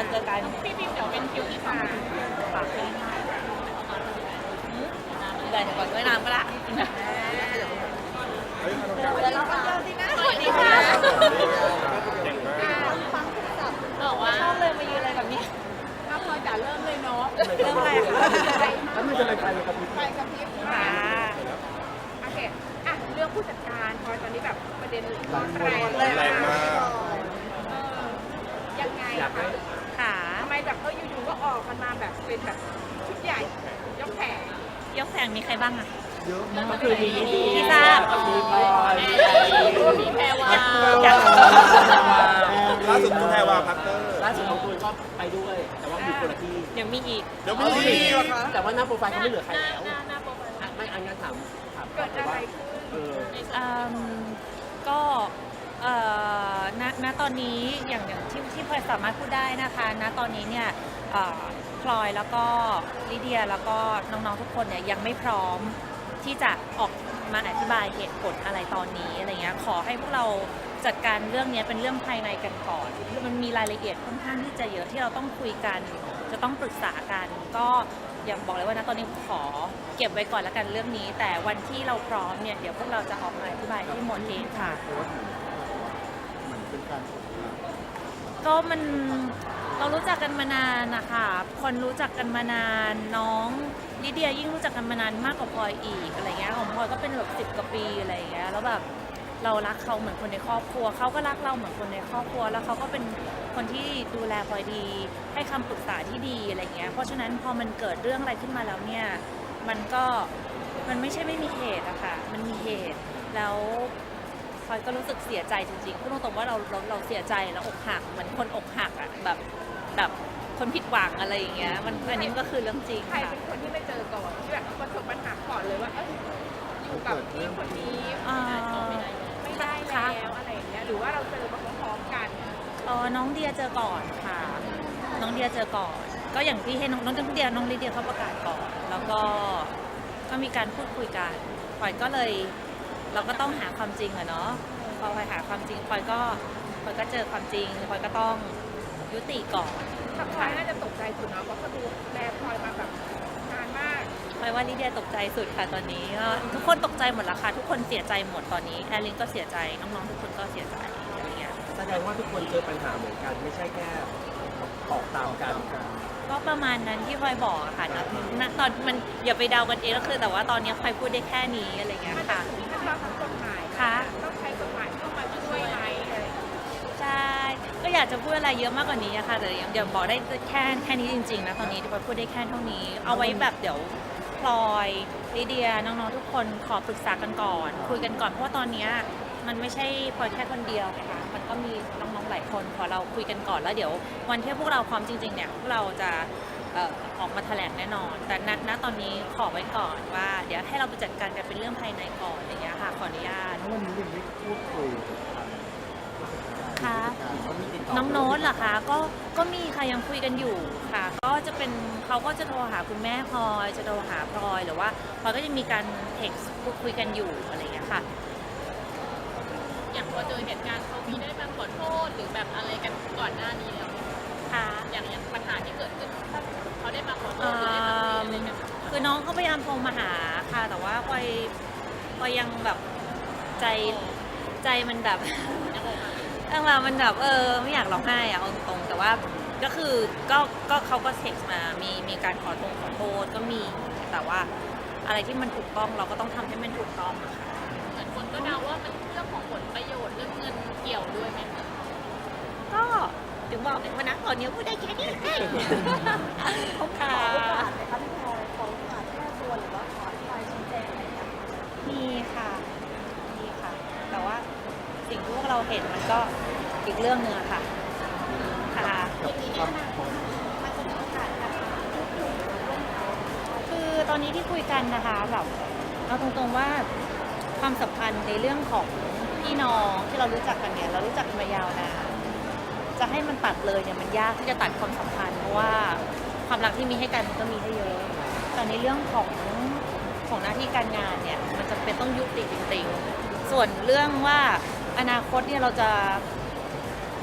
เจอกันพี่พิมเดี๋ยวเป็นคิวที่3 ฝากที่เดี๋ยวก่อนด้วยน้ำก็ละเดี๋ยวเราไปเจอสินะสวัสดีค่ะบอกว่าชอบเลยมายืนอะไรแบบนี้ถ้าพลอยจ๋าเริ่มเลยเนาะเริ่มอะไรคะแล้วมันจะเลยไฟกับพริบไปกับพี่ค่ะโอเคอ่ะเรื่องผู้จัดการพลอยตอนนี้แบบประเด็นร้อนแรงเลยแรงมากยังไงคะค่ะทำไมแบบอยู่ๆก็ออกกันมาแบบเป็นแบบชุดใหญ่ยกแผงมีใครบ้างอะเยอะมากก็คือมีที่ทราบมีพลอยมีแพรวาล่าสุดคุณแพรวาพัตเตอร์ล่าสุดของคุณก็ไปด้วยแต่ว่าอยู่คนละที่เดี๋ยวมีอีกแต่ว่าหน้าโปรไฟล์เขาไม่เหลือใครแล้วหน้าโปรไฟล์ไม่อันงั้นถามเกิดอะไรขึ้นก็ณตอนนี้อย่างที่พลอยสามารถพูดได้นะคะณตอนนี้เนี่ยพลอยแล้วก็ลิเดียแล้วก็น้องๆทุกคนเนี่ยยังไม่พร้อมที่จะออกมาอธิบายเหตุผลอะไรตอนนี้อะไรเงี้ยขอให้พวกเราจัดการเรื่องนี้เป็นเรื่องภายในกันก่อนมันมีรายละเอียดค่อนข้างที่จะเยอะที่เราต้องคุยกันจะต้องปรึกษากันก็อย่างบอกเลยว่านะตอนนี้ขอเก็บไว้ก่อนแล้วกันเรื่องนี้แต่วันที่เราพร้อมเนี่ยเดี๋ยวพวกเราจะออกมาอธิบายที่หมดเองค่ะก็เรารู้จักกันมานานนะคะคนรู้จักกันมานานน้องลิเดียยิ่งรู้จักกันมานานมากกว่าพลอยอีกอะไรเงี้ยของพลอยก็เป็นแบบ10 กว่าปีอะไรเงี้ยแล้วแบบเรารักเขาเหมือนคนในครอบครัวเขาก็รักเราเหมือนคนในครอบครัวแล้วเขาก็เป็นคนที่ดูแลพลอยดีให้คำปรึกษาที่ดีอะไรเงี้ยเพราะฉะนั้นพอมันเกิดเรื่องอะไรขึ้นมาแล้วเนี่ยมันไม่ใช่ไม่มีเหตุอะค่ะมันมีเหตุแล้วพลอยก็รู้สึกเสียใจจริงๆพูดตรงๆว่าเราเสียใจแล้วอกหักเหมือนคนอกหักอะแบบคนผิดหวังอะไรอย่างเงี้ยอันนี้ก็คือเรื่องจริงใครเป็นคนที่ไปเจอก่อนที่แบบประสบปัญหาก่อนเลยว่าอยู่กับพี่คนนี้ไม่ได้แล้วอะไรอย่างเงี้ยหรือว่าเราเจอมาพร้อมๆกันน้องเดียเจอก่อนค่ะน้องเดียเจอก่อนก็อย่างที่ให้น้องเดียน้องลิเดียเขาประกาศก่อนแล้วก็มีการพูดคุยกันพลอยก็เลยเราก็ต้องหาความจริงอะเนาะพอพลอยหาความจริงพลอยก็เจอความจริงพลอยก็ต้องยุติก่อนแต่พลอยน่าจะตกใจสุดนะเพราะเขาดูแลพลอยมาแบบนานมากพลอยว่าลิเดียตกใจสุดค่ะตอนนี้ทุกคนตกใจหมดละค่ะทุกคนเสียใจหมดตอนนี้แอลลินก็เสียใจน้องๆทุกคนก็เสียใจอะไรเงี้ยแสดงว่าทุกคนเจอปัญหาเหมือนกันไม่ใช่แค่ออกตามกันก็ประมาณนั้นที่พลอยบอกค่ะนะตอนมันอย่าไปเดากันเองก็คือแต่ว่าตอนนี้พลอยพูดได้แค่นี้อะไรเงี้ยค่ะขั้นตอนของกฎหมายค่ะต้องใช้กฎหมายเข้ามาช่วยไหมใช่ก็อยากจะพูดอะไรเยอะมากกว่านี้ค่ะแต่เดี๋ยวบอกได้แค่นี้จริงๆนะตอนนี้พลอยพูดได้แค่เท่านี้เอาไว้แบบเดี๋ยวพลอยลิเดียน้องๆทุกคนขอปรึกษากันก่อนคุยกันก่อนเพราะว่าตอนนี้มันไม่ใช่พลอยแค่คนเดียวนะคะมันก็มีน้องๆหลายคนขอเราคุยกันก่อนแล้วเดี๋ยววันที่พวกเราพร้อมจริงๆเนี่ยพวกเราจะออกมาแถลงแน่นอนแต่ณตอนนี้ขอไว้ก่อนว่าเดี๋ยวให้เราไปจัดการกันเป็นเรื่องภายในก่อนอย่างเงี้ยค่ะขออนุญาตวันนี้ยังไม่พูดคุยค่ะน้องโน้ตเหรอคะก็มีค่ะยังคุยกันอยู่ค่ะก็จะเป็นเขาก็จะโทรหาคุณแม่พลอยจะโทรหาพลอยหรือว่าพลอยก็จะมีการเท็กซ์พูดคุยกันอยู่อะไรอย่างเงี้ยค่ะอย่างพอเจอเหตุการณ์เขามีได้มาขอโทษหรือแบบอะไรกันก่อนหน้านี้แล้วค่ะอย่างปัญหาที่เกิดขึ้นเขาได้มาขอโทษหรือได้มาคุยอะไรกันคือน้องเขาพยายามโทรมาหาค่ะแต่ว่าพลอยยังแบบใจมันแบบมันแบบไม่อยากร้องไห้อะเอาตรงๆแต่ว่าก็คือก็เขาก็เท็กซ์มามีการขอโทษก็มีแต่ว่าอะไรที่มันถูกต้องเราก็ต้องทำให้มันถูกต้องอะค่ะเหมือนคนก็เดาว่ามันเรื่องของผลประโยชน์เรื่องเงินเกี่ยวด้วยไหมคะก็ถึงบอกเลยว่านะตอนนี้พูดได้แค่นี้เขาขอโอกาสไหมคะพี่พลอยขอโอกาสแก้ตัวหรือว่าขออธิบายชี้แจงอะไรอย่างมีค่ะแต่ว่าสิ่งที่พวกเราเห็นมันก็อีกเรื่องนึงอะค่ะคือตอนนี้ที่คุยกันนะคะแบบเอาตรงๆว่าความสัมพันธ์ในเรื่องของพี่น้องที่เรารู้จักกันเนี่ยเรารู้จักกันมายาวนานจะให้มันตัดเลยเนี่ยมันยากที่จะตัดความสัมพันธ์เพราะว่าความรักที่มีให้กันมันก็มีให้เยอะแต่ในเรื่องของหน้าที่การงานเนี่ยมันจะเป็นต้องยุติจริงๆส่วนเรื่องว่าอนาคตเนี่ยเราจะค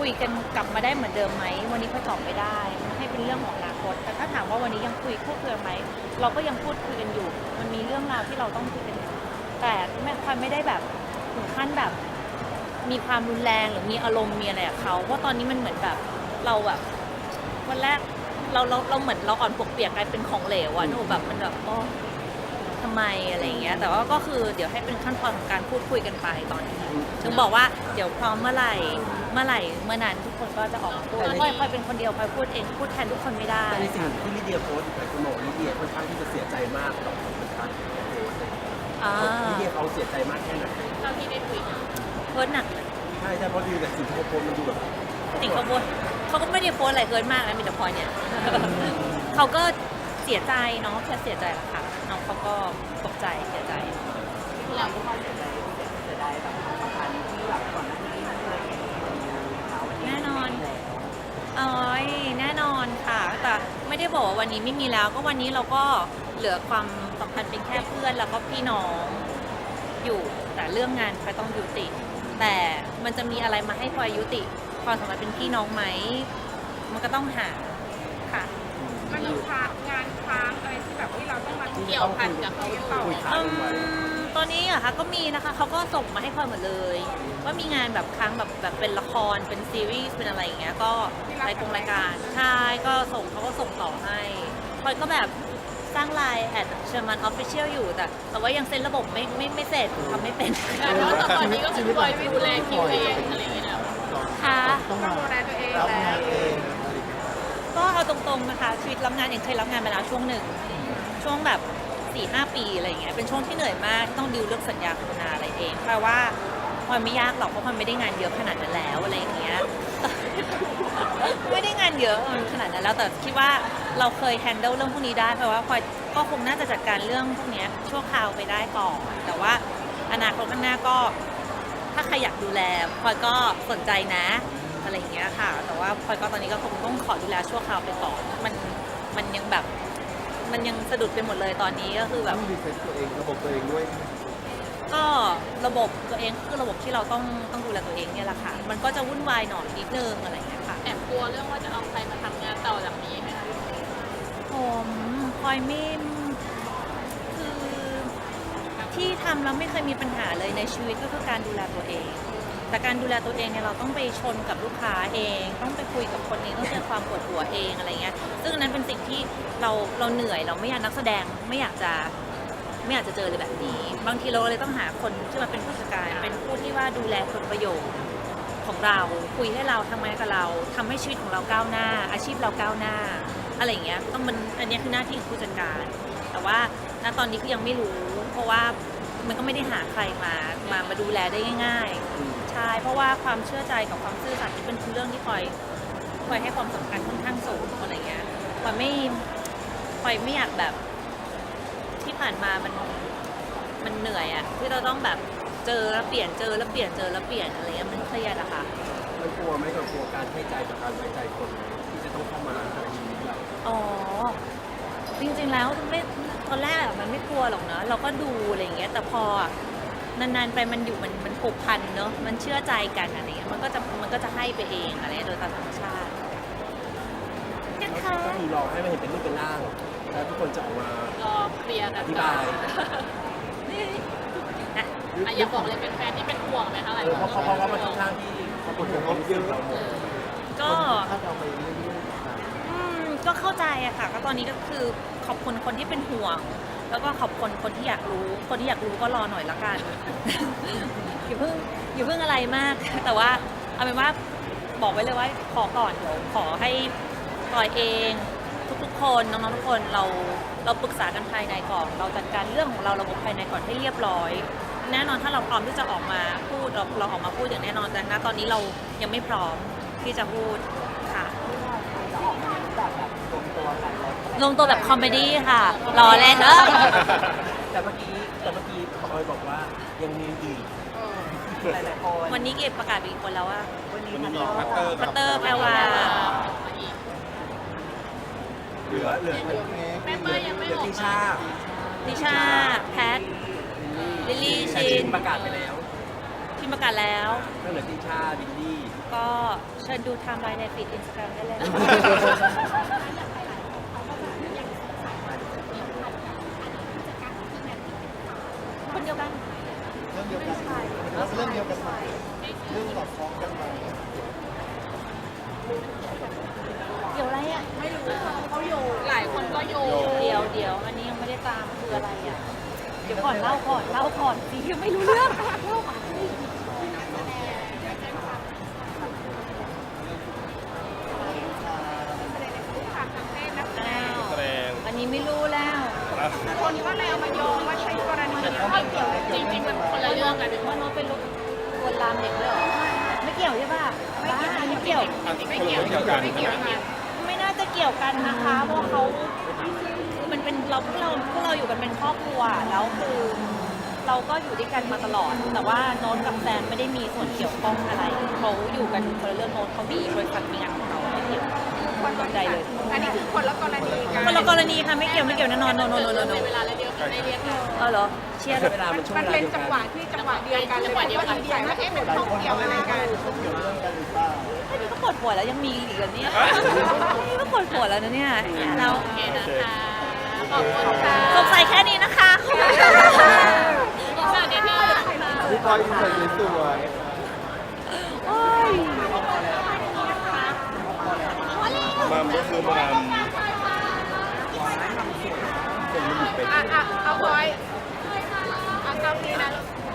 คุยกันกลับมาได้เหมือนเดิมไหมวันนี้พลอยตอบไม่ได้ให้เป็นเรื่องของอนาคตแต่ถ้าถามว่าวันนี้ยังพูดคุยไหมเราก็ยังพูดคุยกันอยู่มันมีเรื่องราวที่เราต้องคุยกันอยู่แต่พลอยไม่ได้แบบถึงขั้นแบบมีความรุนแรงหรือมีอารมณ์มีอะไรกับเขาเพราะตอนนี้มันเหมือนแบบเราแบบวันแรกเราเหมือนเราอ่อนปวกเปียกกลายเป็นของเหลวอะหนูแบบมันแบบทำไมอะไรอย่างเงี้ยแต่ว่าก็คือเดี๋ยวให้เป็นขั้นตอนของการพูดคุยกันไปตอนนี้ถึงบอกว่าเดี๋ยวพร้อมเมื่อไหร่เมื่อนั้นทุกคนก็จะออกมาพูดแล้วพลอยเป็นคนเดียวพลอยพูดเองพูดแทนทุกคนไม่ได้แต่ในสิ่งที่ลิเดียโพสต์หลายคนบอกลิเดียค่อนข้างที่จะเสียใจมากต่อการโพสต์ลิเดียเขาเสียใจมากแค่ไหนเราที่ได้คุยกันเฮิร์ตหนักเลยใช่เพราะดูแต่สิ่งที่เขาโพสต์มันดูแบบสิ่งเขาโพสต์เขาก็ไม่ได้โพสต์อะไรเฮิร์ตมากนะมีแต่พลอยเนี่ย เขาก็เสียใจเนาะแค่เสียใจแหละค่ะน้องเขาก็ตกใจเสียใจเราก็ความเสียใจแบบสำคัญที่แบบก่อนหน้านี้เคยแน่นอนแน่นอนค่ะ แต่ไม่ได้บอกว่าวันนี้ไม่มีแล้ว ก็วันนี้เราก็เหลือความสัมพันธ์เป็นแค่เพื่อนแล้วก็พี่น้องอยู่ แต่เรื่องงานพลอยต้องยุติ แต่มันจะมีอะไรมาให้พลอยยุติความสัมพันธ์เป็นพี่น้องไหม มันก็ต้องหาค่ะมันมีงานค้างอะไรที่แบบเราต้องมาเกี่ยวพันกับเขาต่อตอนนี้อะคะก็มีนะคะเขาก็ส่งมาให้พลอยหมดเลยว่ามีงานแบบค้างแบบเป็นละครเป็นซีรีส์เป็นอะไรอย่างเงี้ยก็รายการใช่ก็เขาก็ส่งต่อให้พลอยก็แบบสร้างไลน์แอดเชอร์มันออฟฟิเชียลอยู่แต่ว่ายังเซ็นระบบไม่เสร็จทำไม่เป็นแต่ว่าตอนนี้ก็คือปล่อยดูแลคิวเองอะไรอย่างเงี้ยแล้วค่ะต้องดูแลตัวเองรับแล้งานวเองก็เอาตรงๆนะคะชีวิตรับงานเองเคยรับงานมาแล้วช่วงหนึ่งช่วงแบบ 4-5 ปีอะไรอย่างเงี้ยเป็นช่วงที่เหนื่อยมากต้องดิวเรื่องสัญญาโฆษณาอะไรเองแปลว่าพลอยไม่ยากหรอกเพราะพลอยไม่ได้งานเยอะขนาดนั้นแล้วอะไรอย่างเงี้ย ไม่ได้งานเยอะขนาดนั้นแล้วแต่คิดว่าเราเคยแฮนเดิลเรื่องพวกนี้ได้เพราะว่าพลอยก็คงน่าจะจัดการเรื่องพวกเนี้ยชั่วคราวไปได้ก่อนแต่ว่าอนาคตข้างหน้าก็ถ้าใครอยากดูแลพลอยก็สนใจนะอะไรอย่างเงี้ยค่ะแต่ว่าพลอยก็ตอนนี้ก็คงต้องขอดูแลชั่วคราวไปก่อนมันยังแบบมันยังสะดุดไปหมดเลยตอนนี้ก็คือแบบต้องรีเซ็ตตัวเองระบบตัวเองด้วยก็ระบบตัวเองคือระบบที่เราต้องดูแลตัวเองเนี่ยแหละค่ะมันก็จะวุ่นวายหน่อยนิดนึงอะไรอย่างเงี้ยค่ะแอบกลัวเรื่องว่าจะเอาใครมาทำงานต่อจากนี้ไหมคะผมพลอยไม่คือที่ทำแล้วไม่เคยมีปัญหาเลยในชีวิตก็คือการดูแลตัวเอง แต่การดูแลตัวเองเนี่ยเราต้องไปชนกับลูกค้าเอง ต้องไปคุยกับคนเองต้องเจอความปวดหัวเองอะไรเงี้ยซึ่งอันนั้นเป็นสิ่งที่เราเหนื่อยเราไม่อยากนักแสดงไม่อยากจะเจอเลยแบบนี้ บางทีเราเลยต้องหาคนที่มาเป็นผู้จัดการเป็นผู้ที่ว่าดูแลผลประโยชน์ของเราคุยให้เราทำงานกับเราทำให้ชีวิตของเราก้าวหน้า อาชีพเราก้าวหน้าอะไรอย่างเงี้ยต้องอันนี้คือหน้าที่ของผู้จัดการ แต่ว่าณตอนนี้ก็ยังไม่รู้เพราะว่ามันก็ไม่ได้หาใครมาดูแลได้ง่ายๆใช่เพราะว่าความเชื่อใจกับความซื่อสัตย์นี่เป็นเรื่องที่พลอยให้ความสำคัญค่อนข้างสูงอะไรเงี้ยพลอยไม่อยากแบบที่ผ่านมามันเหนื่อยอะที่เราต้องแบบเจอแล้วเปลี่ยนเจอแล้วเปลี่ยนเจอแล้วเปลี่ยนอะไรเงี้ยมันเครียดอะค่ะมันกลัวไหมกับกลัวการให้ใจกับการไว้ใจคนที่จะต้องเข้ามาในชีวิตเราอ๋อจริงๆแล้วไม่ตอนแรกอะมันไม่กลัวหรอกนะเราก็ดูอะไรอย่างเงี้ยแต่พอนานๆไปมันอยู่มันผูกพันเนอะมันเชื่อใจกันอะไรเงี้ยมันก็จะให้ไปเองอะไรโดยตามธรรมชาตินะคะก็คือรอให้มันเห็นเป็นรูปเป็นร่าง แล้วทุกคนจะออกมารอเคลียร์กัอน ธิบายนะอยากบอกเลยเป็นแฟนที่เป็นห่วงไหมคะหลายคนเพราะว่ามันค่อนข้างที่เขาเป็นคนที่เราหมดก็ถ้าเราไปเรื่อยๆก็เข้าใจอะค่ะก็ตอนนี้ก็คือขอบคุณคนที่เป็นห่วง แล้วก็ขอบคุณคนที่อยากรู้คนที่อยากรู้ก็รอหน่อยละกัน อย่าเพิ่งอะไรมาก แต่ว่าเอาเป็นว่าบอกไว้เลยว่าขอก่อนเดี๋ยวขอให้ปล่อยเองทุกๆคนน้องๆทุกคนเราปรึกษากันภายในก่อนเราจัดการเรื่องของเราระบบภายในก่อนให้เรียบร้อย แน่นอนถ้าเราพร้อมที่จะออกมาพูดเราออกมาพูดอย่างแน่นอนแต่ณตอนนี้เรายังไม่พร้อมที่จะพูดค่ะลงตัวแบบคอมเมดี้ค่ะรอเล่นแต่เมื่อกี้พลอยบอกว่ายังมีอีกหลายๆคนวันนี้เก็บประกาศไปอีกคนแล้วว่าวันนี้วันนี้พัตเตอร์พัตเตอร์แปลว่าเหลือแม่เป้ยยังไม่ออกติชานิชาแพทลิลลี่แต่ชินประกาศไปแล้วชินประกาศแล้วก็เหลือติชาบิลลี่ก็เชิญดูไทม์ไลน์ในฟีดอินสตาแกรมได้เลย คนเดียวกันเรื่องเดียวกันเรื่องเดียวกันไหมเรื่องสอดคล้องกันไหมเดี๋ยวอะไรอ่ะไม่รู้เขาโยงหลายคนก็โยงเดี๋ยวอันนี้ยังไม่ได้ตามคืออะไรอ่ะ เดี๋ยวก่อนเล่าก่อนสิยังไม่รู้เรื่องเล่าก่อนสิค่ะทางเพศนักแสดอ้าง วแสดงอันนี้ไม่รู้แล้วคนก็เลยเอามาโยงว่าใช่กรณีเดียวกันจริงๆมันคนละเรื่องกันว่าโน้ตเป็นลูกลวนลามเด็กด้วยเหรอ ไม่เกี่ยวใช่ป่ะไม่เกี่ยวไม่เกี่ยวกันไม่เกี่ยวกันไม่น่าจะเกี่ยวกันนะคะ เพราะว่าเขามันเป็นพวกเราอยู่กันเป็นครอบครัวแล้วคือเราก็อยู่ด้วยกันมาตลอด แต่ว่าโน้ตกับแซมไม่ได้มีส่วนเกี่ยวข้องอะไรเขาอยู่กันคนละเรื่องโน้ตเขามีบริษัทมีงานของเขาไม่เกี่ยวคนสนใจเลย อันนี้คือคนละกรณีกันคนละกรณีค่ะไม่เกี่ยวแน่นอนโนเวลาเดียวกันได้เรียกกันเหรอเชียร์เวลามันช่วงมันเวลาเป็นเดียวจักังนหวะที่จังหวะเดียวกันเลยว่าดีใจว่ามันต้องเกี่ยวอะไรกันเกี่ยวเรื่องกันหรือเปล่าแค่นี้ก็ปวดหัวแล้วยังมีอีกเหรอเนี่ยนี่ก็ปวดหัวแล้วนะเนี่ยเราโอเคนะคะขอบคุณค่ะสงสัยแค่นี้นะคะขอบคุณค่ะอีกสักนิดนึงพี่พลอยอินใส่สวยโอ้ยมามก็คือมามเป็นมันเป็นเอาพลอยเอากล้องนี้นะ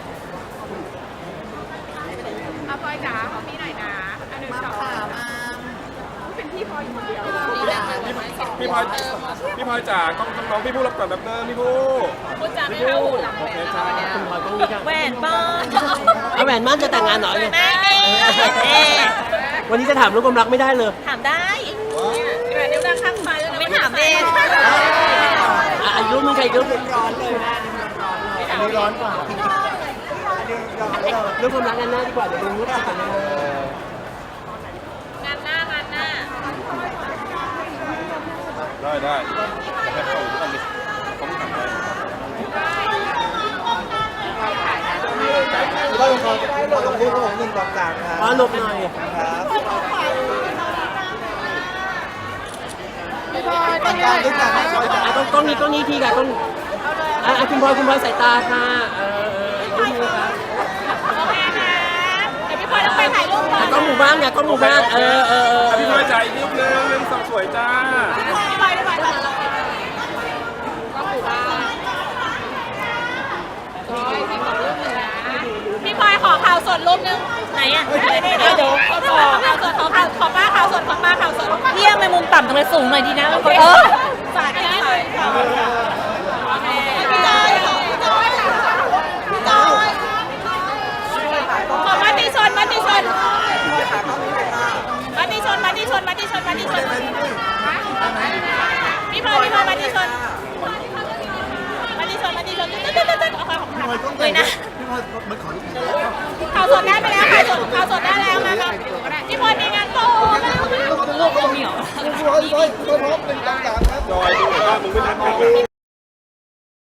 เอาพลอยจ๋าของพี่หน่อยนะอันหนึ่งสองเป็นพี่พลอยอยู่คนเดียวพี่พลอยจ๋ากล้องน้องพี่ผู้รับก่อนแป๊บนึงพี่ผู้คุณจ๋าไม่เข้าหูหลังโอเลยเคนะจ้าคุณพลอยต้องรู้จักแหวนบ้านเอาแหวนมั่นจะแต่งงานเหรอเนี่ยแม่เอวันนี้จะถามเรื่องความรักไม่ได้เลยถามได้แบบนิ้วนางข้างซ้ายแล้วไม่ถามเองอายุมึงใครอายุมึงๆอันนี้ร้อนกว่าอันนี้ร้อนเลยเรื่องความรักกันหน้าดีกว่าเดี๋ยวดูรู้สึกกันนะงานหน้างานหน้าได้ให้เขาดูกันดิเขาไม่ทำได้ก็ลงคอลงพูดของหนึ่งสองสามครับอ๋อหลบหน่อยครับต้องการด้วยกันกล้องนี้ทีค่ะกล้องคุณพลอยสายตาค่ะดูมือครับโอเคค่ะเดี๋ยวพี่พลอยต้องไปถ่ายรูปก่อนกล้องหมู่บ้านค่ะกล้องหมู่บ้านพี่พลอยจ๋าอีกนิดนึง1 2สวยจ้าพี่พลอยต้องหพี่พลอยขอข่าวสดรูปนึงไหนอ่ะเดี๋ยวขอข่าวสดขอป้าข่าวสดของป้าข่าวสดเยี่ยมไปมุมต่ำตรงเลยสูงหน่อยดีนะสาดได้เลยพี่จอยพี่จอยขอมาติชนพี่พลอยมาติชนมาติชนมาติชนเอาค่ะของพี่พลอยต้องเลยนะพี่พลอยมันขอลูกอีกข่าวสดได้ไปแล้วข่าวสดได้แล้วมาครับพี่พลอยมีงานโตมาลูกเหนียวพี่พลอยพร้อมหนึ่งสองสามครับจอยดูว่ามึงไม่นัดกัน